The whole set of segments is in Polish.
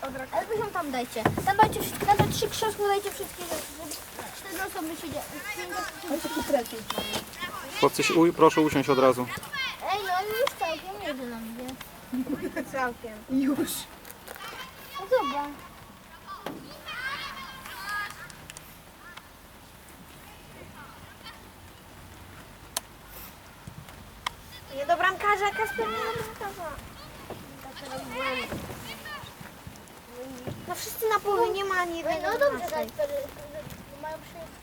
Ale wy ją tam dajcie. Tam dajcie wszystkie, tam te 3 krzesła dajcie wszystkie rzeczy, żeby 4 osoby siedziały. Chłopcy, proszę usiąść od razu. Ej, no już całkiem jedzie na mnie. Całkiem. Już. No dobra. Nie do bramkarza, Kasper, nie do bramkarza. No wszyscy na połowie, nie ma ani jednego. No dobrze, naszej. mają przyjść.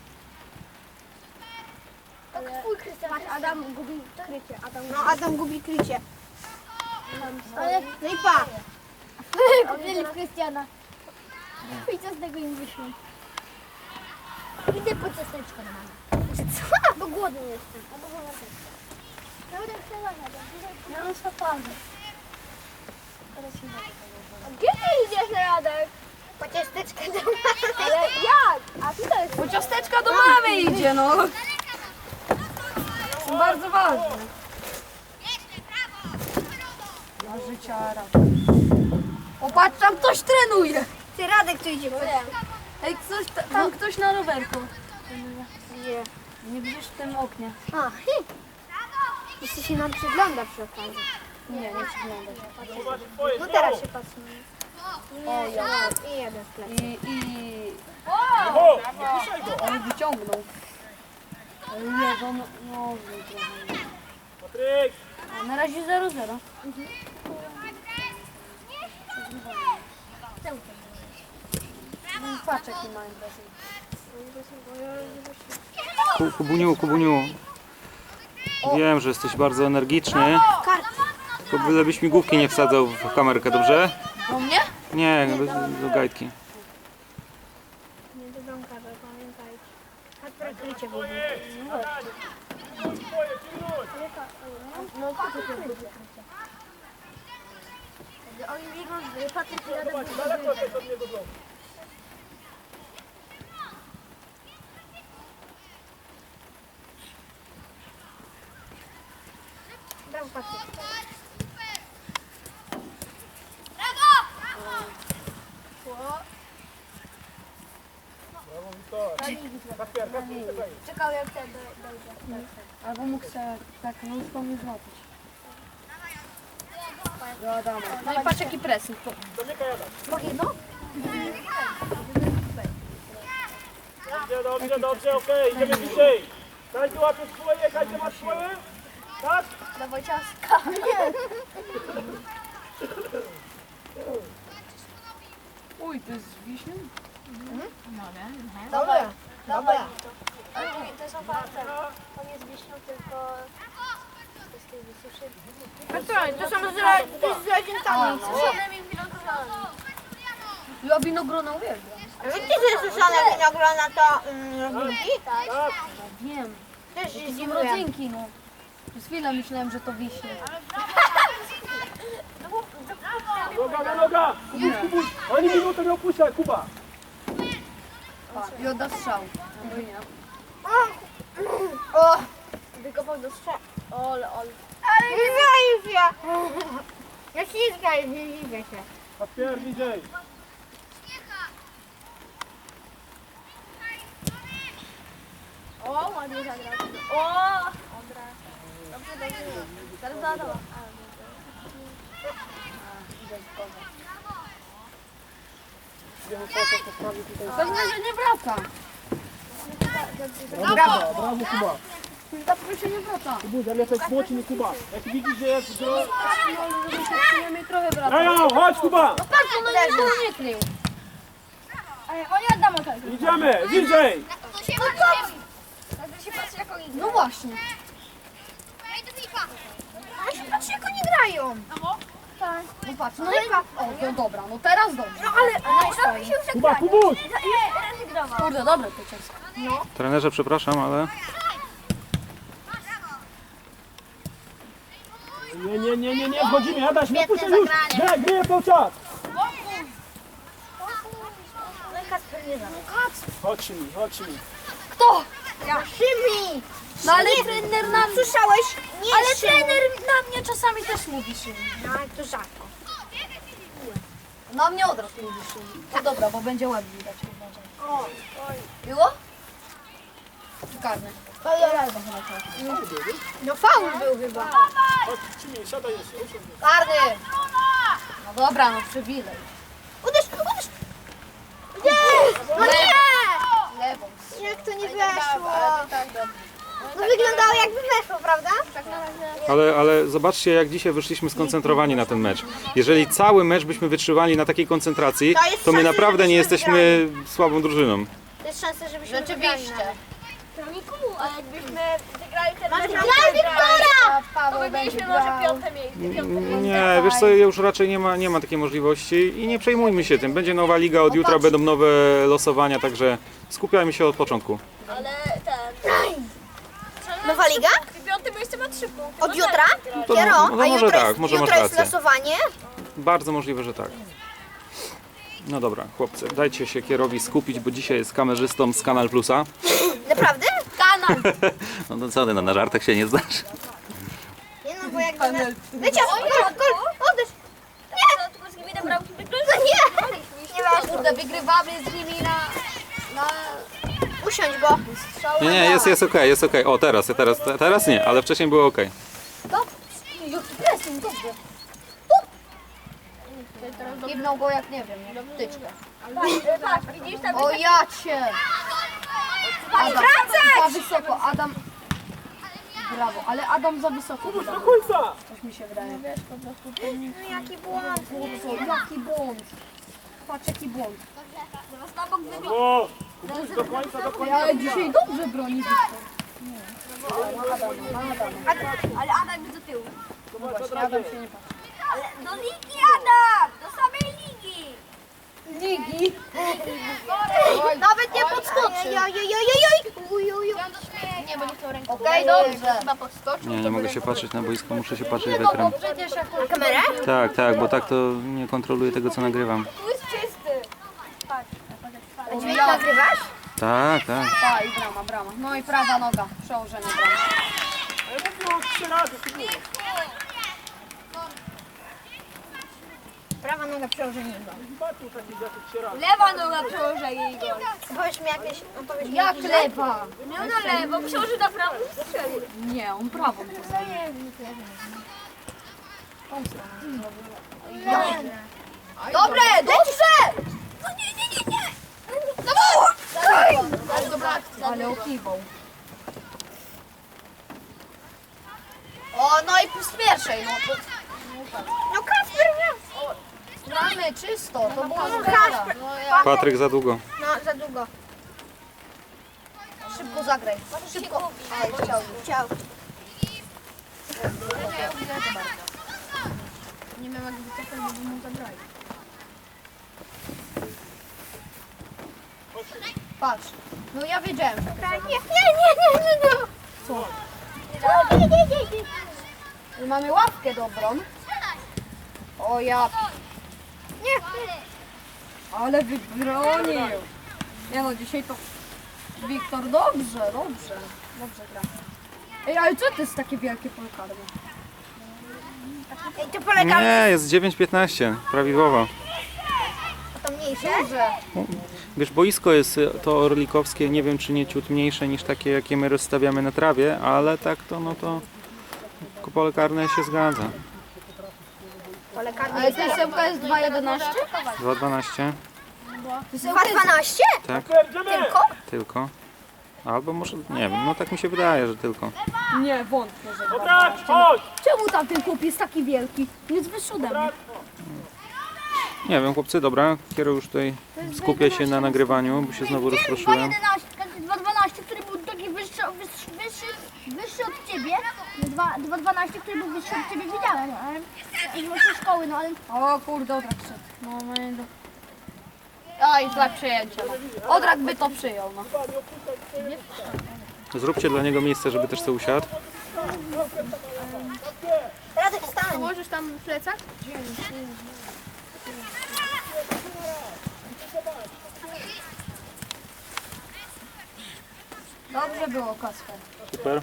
Tak twój Krystian. Adam gubi krycie. No Adam gubi krycie. Ale No i pa. kupili w Krystiana. I co z tego im wyszło? Idę po ciasteczko na mamę. Co? Bo głodny jestem. Albo wolę też. Ja będę chciała na dół. Ja mam szapany. Gdzie ty idziesz, Radek? Po ciasteczkę do mamy. Ale jak? A tutaj jest... Bo ciasteczka do mamy idzie, no. Są bardzo ważne. Dla życiara. O, patrz, tam ktoś trenuje. Ty Radek tu idzie. Ej, tam ktoś na rowerku. Nie. Nie widzisz w tym oknie. A, jeszcze się nam przygląda przy okazji. Nie przygląda się. No teraz się patrzymy. O, ja. I jeden sklep. On wyciągnął. Nie, to no, Patryk! a na razie 0-0. Patrz jaki ma imprezę. Kubuniu. Wiem, że jesteś bardzo energiczny. To byle byś mi główki nie wsadzał w kamerkę, dobrze? Do mnie? Nie, do gajtki. Nie do bramkarza, pamiętajcie. Kasper krycie w ogóle. Twoje, pilnuj! No to ty Oni biegną, Patryk i Radek. Zobacz, daleko jest od niego znowu. bramka. Brawo, Wiktor. Kasper, czekaj. Czekał jak ten dojdzie. Albo mógł się tak nóżką nie złapać. Do Adama. No i patrz jaki pressing. Zamykaj, Adam. Mogę jedno? Dobrze, okej, idziemy bliżej. Każdy łapie swoje, każdy ma swoje. Tak? Dawaj ciastka. Uj, to jest z wiśnią? Dobra. Dobra. To jest oparte. On jest wiśnią, tylko... To jest tej wysuszy. To są z rodzicami. Suszonymi winogronami. Ja winogrona uwielbiam. Wiecie, że suszone winogrona to rodzynki? Tak. Wiem. Też To się są zimrują. rodzynki, no. Przez chwilę myślałem, że to wiśnie. Noga na noga. Kubuś, Kubuś. Ani minutę nie opuszczaj, Kuba. I odda strzał. No nie. O, Wykopał do strzał. Ole. ale nie zajmij się. Ja ślizgaj, nie dziwię się. Kasper, bliżej. O, ładnie zagrał. O! Dobra. Dobrze. Teraz do Adama. Pewnie, że nie wraca. Brawo, brawo, Kuba. Ta proszę nie wraca. Kubuś, ale jesteś młodszy, Kuba. Jak widzisz, że jest gro... Przynajmniej trochę wraca. Ejo, chodź, Kuba. Patrz, on nie krył. Oni Adama tak. Idziemy, bliżej. Jakby się patrzy jak oni No właśnie. Ale się patrzy, jak oni grają. No patrz, no i... O, no dobra, no teraz dobrze. No ale się już Kuba, Kubuś. rezygnował. Kurde, dobre to ciasto. Trenerze, przepraszam, ale Nie, wchodzimy, Adaś, nie puszczaj już. Graj, gryje cały czas. Chodź mi. Kto? Szymi. No ale trener nam... Słyszałeś? Nie, Ale Szymi. trener na mnie czasami też mówi Szymon. No ale to rzadko. Na mnie od razu mówisz. No dobra, bo będzie ładnie widać. Było? Karny. No faul był chyba. Chodź, Cimiej, siadaj jeszcze. Usiądź. Karny! No dobra, no przywilej. Uderz! No nie! Lewą. Jak to nie weszło? No wyglądało jakby weszło, prawda? Ale zobaczcie, jak dzisiaj wyszliśmy skoncentrowani na ten mecz. Jeżeli cały mecz byśmy wytrzymali na takiej koncentracji, To jest to my szansa, naprawdę nie żebyśmy jesteśmy słabą drużyną. To jest szansa, żebyśmy Rzeczywiście. Troniku, a jakbyśmy wygrali ten Masz mecz, graj, Wiktora! Paweł to będzie byliśmy może grał. piąte miejsce. Nie, wiesz co, już raczej nie ma takiej możliwości i nie przejmujmy się tym. Będzie nowa liga, od jutra będą nowe losowania, także skupiajmy się od początku. Ale ten... Nowa liga? Piąte miejsce ma 3 punkty. Od jutra? To Kiero? no A może jutro tak, jest, może masz jutro jest rację. losowanie? Bardzo możliwe, że tak. No dobra, chłopcy, dajcie się Kierowi skupić, bo dzisiaj jest kamerzystą z Kanal Plusa. Naprawdę? Kanał! No to co, ty na żartach się nie znasz? Nie no, bo jakby... Wiecie, gol! Odejdź! Tylko z nimi do bramki No nie! Nie weszło. Kurde, wygrywamy z nimi na Usiądź, bo... Nie, jest okej, jest okej. O, teraz nie, ale wcześniej było okej. Jaki pressing, dobrze. Kiwnął go jak nie wiem, jak tyczkę. Patrz, widzisz tam... O ja cię! Adam, za wysoko, Adam. Brawo, ale Adam za wysoko. Do końca! Coś mi się wydaje. No jaki błąd. Co, jaki błąd. Patrz jaki błąd. O, Kubuś, do końca. Ale dzisiaj dobrze broni Wiktor. Ale Adam jest do tyłu. Zobacz, od Adam razu. się nie patrzy. Ale do ligi, Adam! Do samej ligi! Ligi. Nawet nie podskoczy. Nie, bo nie chcą ręką. Okej, dobrze. Chyba podskoczył. Nie mogę się patrzeć na boisko, muszę się patrzeć w ekran. Przecież jak Kamerę? Tak, bo tak to nie kontroluję tego, co nagrywam. Tu jest czysty. Dźwięk nagrywasz? Tak. Ta i brama. No i prawa noga, przełożenie brama. Ale mówił 3 razy, Kubuś. Prawa noga przełożenie go. Patrzył takich jak 3 razy. Lewa noga przełoży jej gol. Powiedz mi jakieś... Powiedz mi Jak jakiś- lewa? Miał na lewo, przełoży na prawo i strzelił. Nie, on prawą to zajmie. Dobre, dobrze! Ale okiwał. O, no i plus pierwszej, no to No Kasper, nie. gramy czysto, to było Kasper. Patryk za długo. No, za długo. Szybko zagraj. Szybko. Aj, chciał. Chciał. Nie wiem jak wycofać, bo mu zabrali. Patrz. No ja wiedziałem. Nie. Co? Mamy łapkę dobrą. O ja. Nie. Ale wybronił. Nie no, dzisiaj to Wiktor dobrze gra. Ej, ale co to jest takie wielkie pole karne? Ej, to polega Nie, jest 9:15, prawidłowo. na to mniejsze. Duże. Wiesz, boisko jest to orlikowskie, nie wiem czy nie ciut mniejsze niż takie, jakie my rozstawiamy na trawie, ale tak to, no to pole karne się zgadza. Pole karne Ale tysełka jest 2,11? 2:12, 2,12? tak, Idziemy! tylko. Albo może, nie wiem, no tak mi się wydaje, że tylko. Nie, wątpię, że Dobra, chodź! Czemu tam ten chłop jest taki wielki? Jest wyższy ode mnie. Nie wiem, chłopcy, dobra, Kiero już tutaj skupia się na nagrywaniu, bo się znowu rozproszyłem. 2,12, który był taki wyższy od ciebie. 2,12, który był wyższy od ciebie, widziałem, ale z waszej szkoły, no ale O kurde, Odrak szedł. No, Oj, złe przyjęcie. No. Odrak by to przyjął, no. Zróbcie dla niego miejsce, żeby też sobie usiadł. Radek, stań. Możesz tam plecak? Dobrze było, Kasper. Super.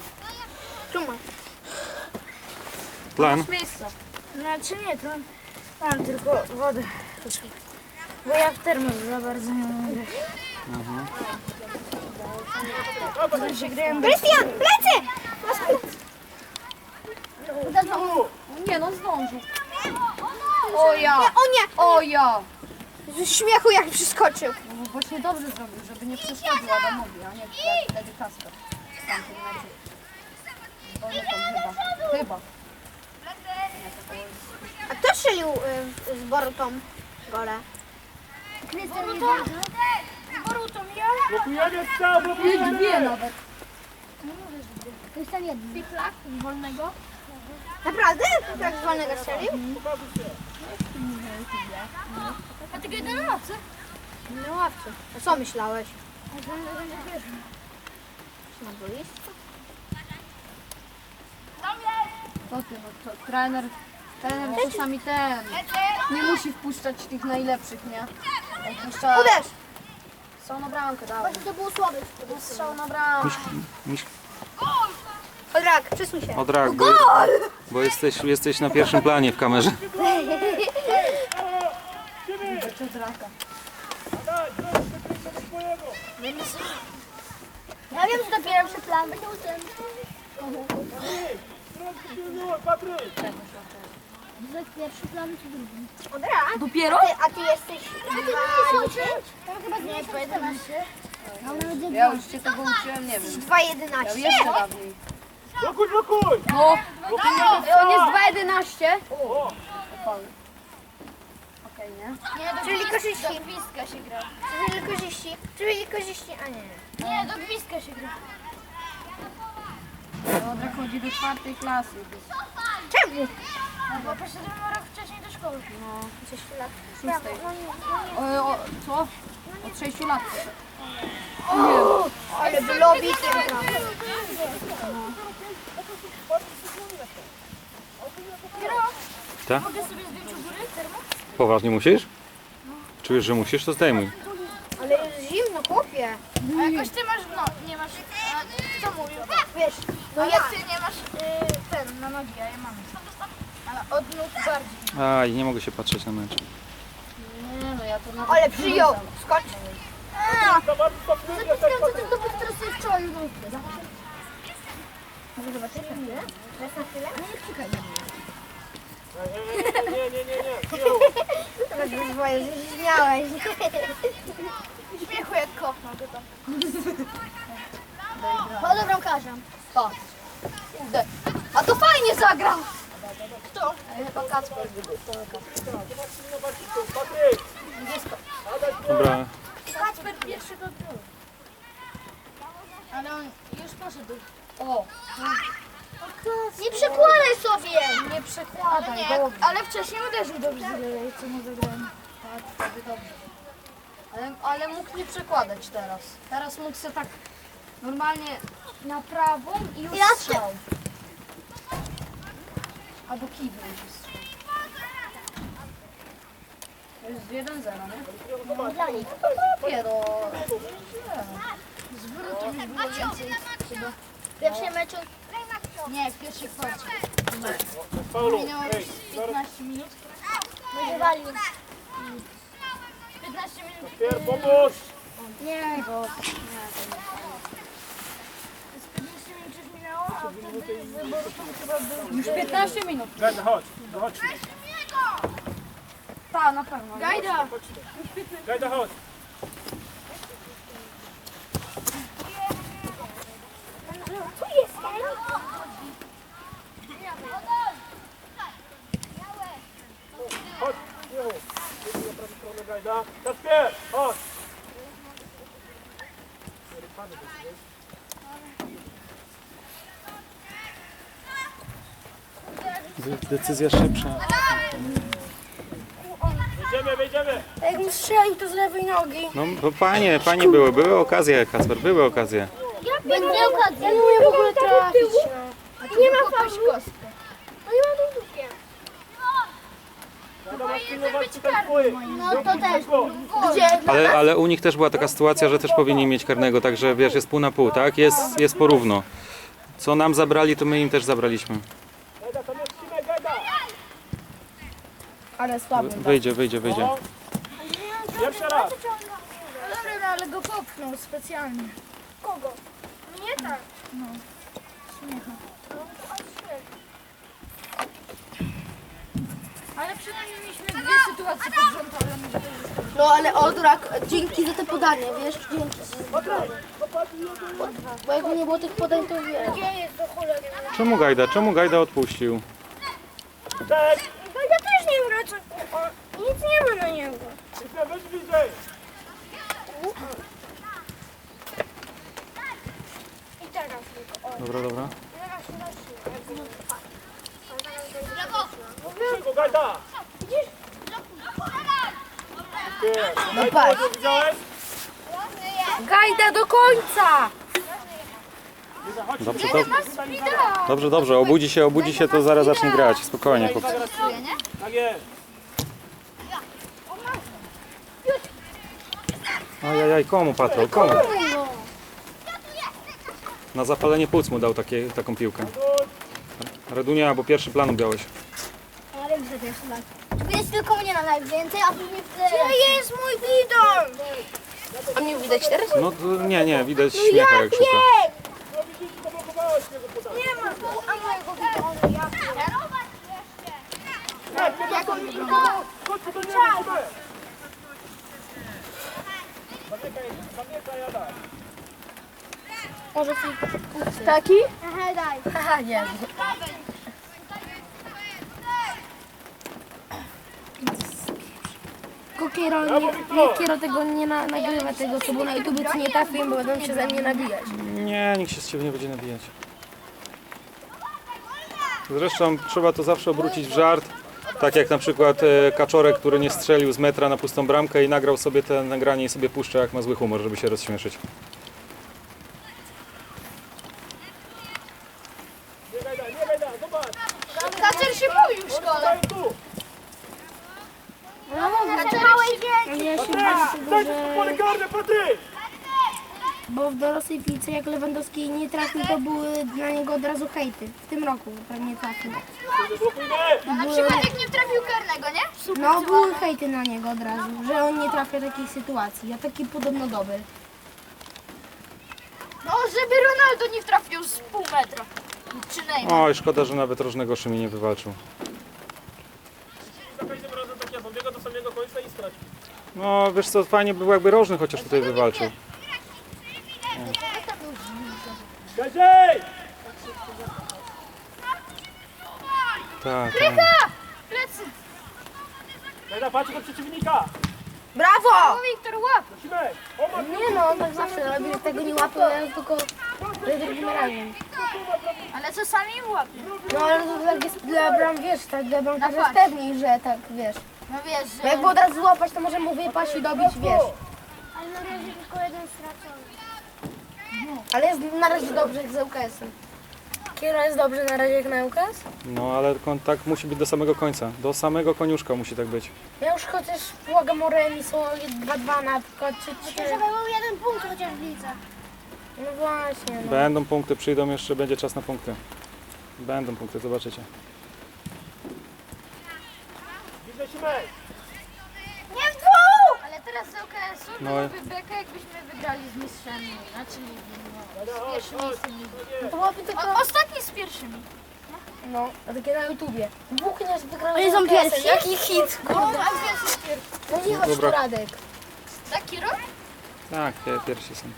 Tu masz. Plan? Miejsce. Znaczy nie, to... Mam tylko wodę. Bo ja w termos za bardzo nie mogę. Krystian, plecy! Nie no, zdążył. O ja! O nie! O ja! Z śmiechu jak przyskoczył. No właśnie dobrze zrobił, żeby nie przeszkodził Adamowi, a nie wtedy Kasper. W tamtym meczu. O nie, tam chyba. A kto strzelił z Borutą gole? Krystian nie zdążył. Blokujemy strzał, Nie blokujemy! dwie nawet. Krystian jeden. Piplak z wolnego. Naprawdę? Tak z wolnego strzelił? A ty jeden na nocy? No ławce. A co myślałeś? Na boisku? To ty, no to trener czasami nie musi wpuszczać tych najlepszych, nie? Wpuszcza Uderz! strzał na bramkę, dawaj. Właśnie to było słabe. Strzał na bramkę. Odrak, przesuń się. Odrak, bo jesteś na pierwszym planie w kamerze. Czy draka. Daj, do swojego! Ja wiem, że dopiero przy plan będzie uczyłem. Patryk! To jest pierwszy plan czy drugi? Odrak? Dopiero? A ty jesteś 2,10? Tam chyba nie 11. No nawet Ja już cię tego uczyłem, nie wiem. 2,11. Ja jeszcze dawniej. Blokuj, blokuj! No! On jest 2,11. O! Okej, nie? Nie, Czyli korzyści. do gwizdka się gra. Czyli korzyści. Czyli korzyści, a nie. Nie, do gwizdka się gra. Odrak chodzi do 4. klasy. Czemu? Bo poszedłem rok wcześniej do szkoły. No, 6 lat. 6. Co? Od 6 lat. Ale bylowi tym Tak? Mogę sobie zdjąć u góry termo? Poważnie musisz? Czujesz, że musisz? To zdejmuj. Ale jest zimno, chłopie. A jakoś ty masz, no, nie masz, a co mówił? Wiesz, No jak ty nie masz ten na nogi, a ja mam. Ale od nóg bardziej. Aj, nie mogę się patrzeć na mecz. Nie no, ja to nawet... ale przyjął. Skocz. To bardzo stopniuje, tak Co ty to teraz sobie wczoraj Może zobaczymy chwilę? Teraz na chwilę? Teraz wyzwoje, zmiałeś. śmiechu jak kopnął go tam. Chodzę bramkarzem. Tak. Kurde. A to fajnie zagrał! Kto? Chyba Kacper. Patryk! Dobra, Kacper pierwszy go był. Ale on już poszedł. O! Nie przekładaj sobie! Nie Ale przekładaj, nie, dobrze. ale wcześniej uderzył dobrze, co mu zagrałem. Tak, wtedy dobrze. Ale mógł nie przekładać teraz. Teraz mógł sobie tak normalnie na prawą i już Ja strzał. Albo kiwy już strzał. To jest 1-0, nie? No, dla nich. Dopiero. Zwrotów już było więcej. Chyba. W pierwszym meczu? Nie, w pierwszej kwarcie. Paulu, Minęło już 15 minut. Będzie 15 minut. Pier, pomóż! Nie, bo... Z 15 minut już minęło, a wtedy z Borutą chyba był... Już 15 minut. Gajda, chodź, chodź. Tak, na pewno. Gajda! Gajda, chodź. Chodź, Michu. Jedziemy na prawą stronę, Gajda. Kasper, chodź. decyzja szybsza. Wejdziemy. Jak mu strzeli, to z lewej nogi. No bo panie były okazje, Kacper, były okazje. Będzie okazja. Ja nie umiem w ogóle trafić. Nie ma faulu. No nie ma dłużkiem. Gajda, masz pilnować tutaj swoich. No to też. Gdzie? Ale u nich też była taka sytuacja, że też powinni mieć karnego, także wiesz, jest pół na pół, tak? Jest porówno. Co nam zabrali, to my im też zabraliśmy. Gajda, tam jest Simek, Gajda. Ale słaby. Wyjdzie. No. Jeszcze raz. Dobra, ale go popchnął specjalnie. Kogo? Nie tak. Ale przynajmniej mieliśmy dwie sytuacje pod rząd, ale może to już No ale Odrak, dzięki za te podanie, wiesz? Dzięki za te podanie. Bo jakby nie było tych podań, to wiesz. Gdzie jest do cholery? Czemu Gajda odpuścił? Cześć. No ja też nie wracam. Nic nie ma na niego. Weź bliżej. I teraz tylko. O, Dobra. teraz Szybko, Gajda. No patrz. Widziałeś? Gajda do końca! Dobrze. Obudzi się, to zaraz zacznie grać. Spokojnie, chłopcy. Tak jest. Ajajaj, komu Patrol, komu? Na zapalenie płuc mu dał taką piłkę. Radunia, bo pierwszy plan ubiałeś. ale gdzie pierwszy lat? Jest tylko mnie na najwięcej, a później wtedy... Gdzie jest mój bidon? A mnie widać teraz? No to nie, widać śmiecha jak szuka. No widzisz, zablokowałeś mnie za podanie. Nie ma, a mojego bidonu, ja Chodź, to nie ma. Zamykaj, jada. Może Taki? Aha, daj. Haha, nie. Tylko Kiero tego nie nagrywa, tego co było na YouTube, co nie trafiłem, bo będą się ze mnie nabijać. Nie, nikt się z ciebie nie będzie nabijać. Zresztą trzeba to zawsze obrócić w żart. Tak jak na przykład Kaczorek, który nie strzelił z metra na pustą bramkę i nagrał sobie te nagranie i sobie puszcza, jak ma zły humor, żeby się rozśmieszyć. Nie Gajda, zobacz. Kacer się mówił w szkole. Daj tu. Ja się Daj tu pole karne, Patryk. bo w dorosłej piłce jak Lewandowski nie trafił, to były na niego od razu hejty. W tym roku pewnie trafił. Blokujmy. Na przykład jak nie trafił karnego, nie? No były hejty na niego od razu, że on nie trafia takich sytuacji, a taki podobno dobry. No, żeby Ronaldo nie trafił z pół metra. Czy Neymar. Oj, szkoda, że nawet rożnego Szymi nie wywalczył. Za każdym razem tak ja dobiega do samego końca i straci. No wiesz co, fajnie by było jakby rożny chociaż tutaj wywalczył. Gadziej! Tak. Plecy. Gajda, patrz do przeciwnika. Brawo! Wiktor, łap. Musimy. O, Nie no, on tak zawsze robi, że tego nie łapie, ja tylko drugim razem. Ale czasami łapie. No ale to tak jest dla bram, wiesz, tak dla bramkarza No jest pewniej, że tak, wiesz. No wiesz, Bo jakby od razu złapać, to może mu wypaść i dobić, wiesz. Ale na razie tylko jeden stracony. Ale jest na razie dobrze jak z ŁKS-em. Kiero jest dobrze na razie jak na ŁKS? No ale kontakt musi być do samego końca. Do samego koniuszka musi tak być. Ja już chociaż błagam o remis, o 2-2 na przykład, czy 3. Żeby był jeden punkt chociaż w lidze. No właśnie, no. Będą punkty, przyjdą jeszcze, będzie czas na punkty. Będą punkty, zobaczycie. widzę Simek. Nie w dwóch! ale teraz z LKS-u No. byłoby beka, jakbyśmy wygrali z mistrzami. Znaczy, z pierwszymi z tymi. To byłoby tylko, Ostatni z pierwszymi. no, a takie na YouTubie. Dwóch nie wygrał Oni są pierwsi? Jaki hit, kurde. A gdzie jest pierwszy? No nie chodź tu, Dobra. Radek. Taki rok? Tak, pierwsi są.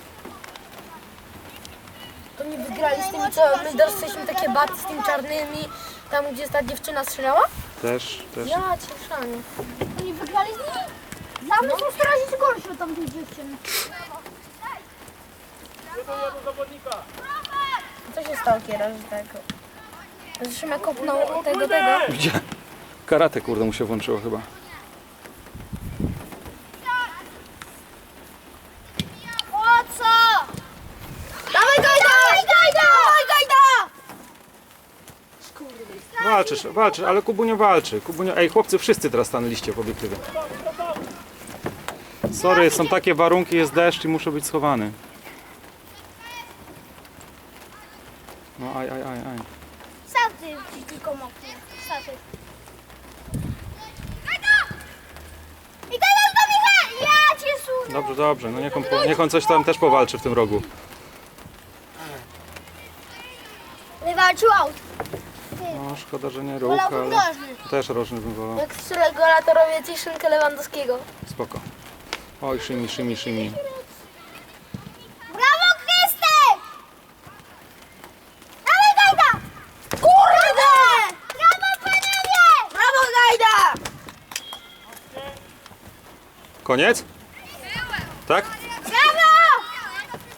To nie wygrali z tymi, co my dostaliśmy takie baty z tymi czarnymi, tam gdzie ta dziewczyna strzelała? Też. Ja cię szanię. Oni wygrali z nimi? Same są 100 razy gorsze od tamtych dziewczyn. Jeden zawodnika. Co się stało, Kiera, że tak? Że Szymek kopnął tego. Gdzie? Karate kurde mu się włączyło chyba. Po co? Dawaj Gajda! Dawaj Gajda! Walczysz, ale Kubunio walczy. Ej chłopcy, wszyscy teraz stanęliście w obiektywie. Sorry, są takie warunki, jest deszcz i muszę być schowany. No aj. Sam ty tylko mokry. Staty. Dobrze, dobrze. No niech on coś tam też powalczy w tym rogu. Wywalczył aut. No, szkoda, że nie róg, ale też rożny bym wolał. Jak strzelę gola, to robię ciszynkę Lewandowskiego. Spoko. Oj, szymi, szymi, szymi. Brawo, Krystek! Dawaj, Gajda! Kurde! Brawo, panowie! Brawo, Gajda! Koniec? Tak?